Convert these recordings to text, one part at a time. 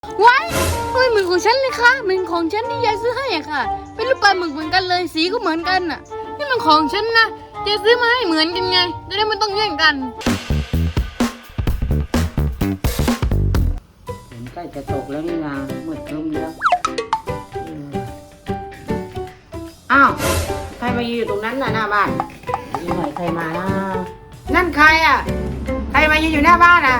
ว้ายทำไมเหมือนของฉันเลยคะเหมือนของฉันที่ยายซื้อให้อะค่ะเป็นรูปปลาหมึกเหมือนกันเลยสีก็เหมือนกันอะนี่มันของฉันนะยายซื้อมาให้เหมือนกันไงจะได้ไม่ต้องแย่งกันฝนใกล้จะตกแล้วนี่นามืดครึ้มแล้วอ้าวใครมายืนอยู่ตรงนั้นน่ะหน้าบ้านนี่หน่อยใครมานะนั่นใครอ่ะใครมายืนอยู่หน้าบ้านอ่ะ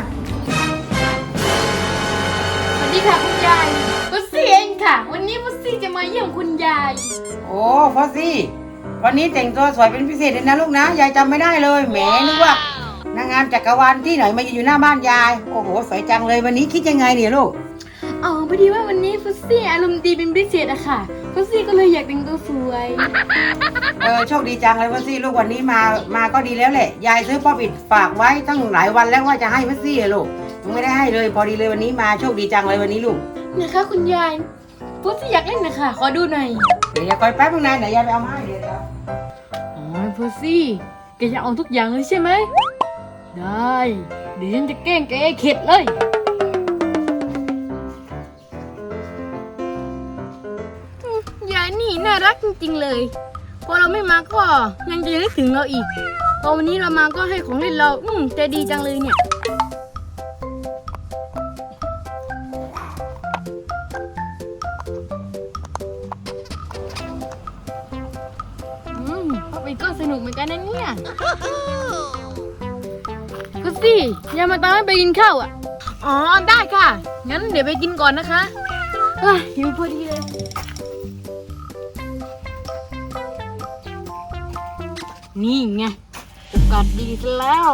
สวัสดีค่ะคุณยายฟุตซี่เองค่ะวันนี้ฟุตซี่จะมาเยี่ยมคุณยายโอ้ฟอสซี่วันนี้แต่งตัวสวยเป็นพิเศษเลยนะลูกนะยายจำไม่ได้เลยแหมนึกว่านางงามจักรวาลที่ไหนมายืนอยู่หน้าบ้านยายโอ้โหสวยจังเลยวันนี้คิดยังไงเนี่ยลูกอ๋อพอดีว่าวันนี้ฟุตซี่อารมณ์ดีเป็นพิเศษอะค่ะฟุตซี่ก็เลยอยากแต่งตัวสวยโชคดีจังเลยฟอสซี่ลูกวันนี้มาก็ดีแล้วแหละยายซื้อป๊อปอิดฝากไว้ตั้งหลายวันแล้วว่าจะให้ฟอสซี่ลูกยังไม่ได้ให้เลยพอดีเลยวันนี้มาโชคดีจังเลยวันนี้ลูกนะคะคุณยายฟุตซี่อยากเล่นนะคะขอดูหน่อยเดี๋ยวคอยแป๊บนึงนะเดี๋ยวยายไปเอามาให้เดี๋ยวอ๋อฟุตซี่แกจะเอาทุกอย่างเลยใช่ไหมได้เดี๋ยวฉันจะแกล้งแกให้เข็ดเลยยายนี่น่ารักจริงๆเลยพอเราไม่มาก็ยังจะนึกถึงเราอีกพอวันนี้เรามาก็ให้ของเล่นเราใจดีจังเลยเนี่ยพ่อไปก็สนุกเหมือนกันนะเนี่ยก็สิอย่ามาตามให้ไปกินข้าวอ่ะอ๋อได้ค่ะงั้นเดี๋ยวไปกินก่อนนะคะหิวพอดีเลยนี่ไงโอกาสดีซะแล้ว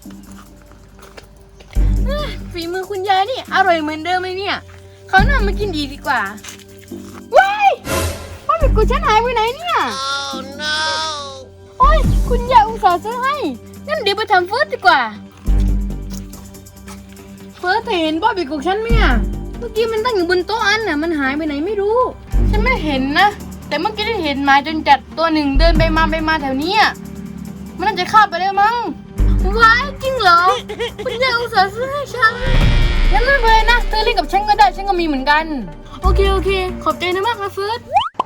ฝีมือคุณยายนี่อร่อยเหมือนเดิมเลยเนี่ยเขาหน้ามากินดีกว่าว้ายป้าหมึกกูฉันหายไปไหนเนี่ย oh, no. โอ้ยคุณยายอุตส่าห์ซื้อให้งั้นเดี๋ยวไปทำเฟิร์สดีกว่าเฟิร์สเห็นป้าหมึกกูฉันไหมอ่ะเมื่อกี้มันตั้งอยู่บนโต๊ะอันน่ะมันหายไปไหนไม่รู้ฉันไม่เห็นนะแต่เมื่อกี้ได้เห็นหมาจนจัดตัวหนึ่งเดินไปมาแถวนี้มันน่าจะฆ่าไปแล้วมั้งว้ายจริงเหรอคุณยายอุตส่าห์ซื้อให้ฉันงั้นไม่เป็นไรนะเธอเล่นกับฉันก็ได้ฉันก็มีเหมือนกันโอเคขอบใจนะมากนะเฟิร์ส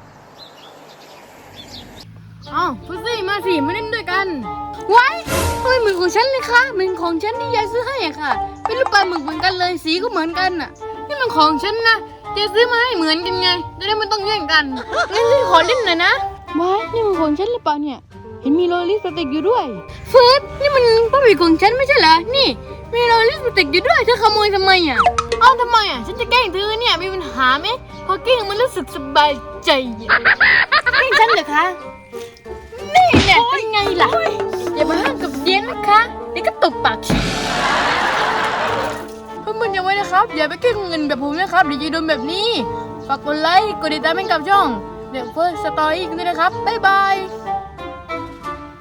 ฟุตซี่มาสิมาเล่นด้วยกันว้ายทำไมเหมือนของฉันเลยคะเหมือนของฉันที่ยายซื้อให้อะค่ะเป็นรูปปลาหมึกเหมือนกันเลยสีก็เหมือนกันอะนี่มันของฉันนะยายซื้อมาให้เหมือนกันไงจะได้ไม่ต้องแย่งกันงั้นฉันขอเล่นหน่อยนะว้ายนี่มันของฉันหรือเปล่าเนี่ยเห็นมีโรลลี่สเต็กอยู่ด้วยเฟิร์สนี่มันป้าหมีของฉันไม่ใช่เหรอนี่มีโรลลี่สเต็กอยู่ด้วยเธอขโมยทำไมอ่ะทำไมอ่ะฉันจะแกล้งเธอเนี่ยมีปัญหาไหมพอแกล้งมันรู้สึกสบายใจแกล้งฉันเหรอคะนี่เนี่ยเป็นไงล่ะอย่ามาห้ามกับเย็นนะคะเดี๋ยวก็ตบปากเพื่อนๆอย่าไว้นะครับอย่าไปแกล้งเงินแบบผมนะครับเดี๋ยวจะโดนแบบนี้ฝากกดไลค์กดติดตามให้กับช่องเดี๋ยวเฟิร์สสตอรี่กันด้วยนะครับบ๊ายบาย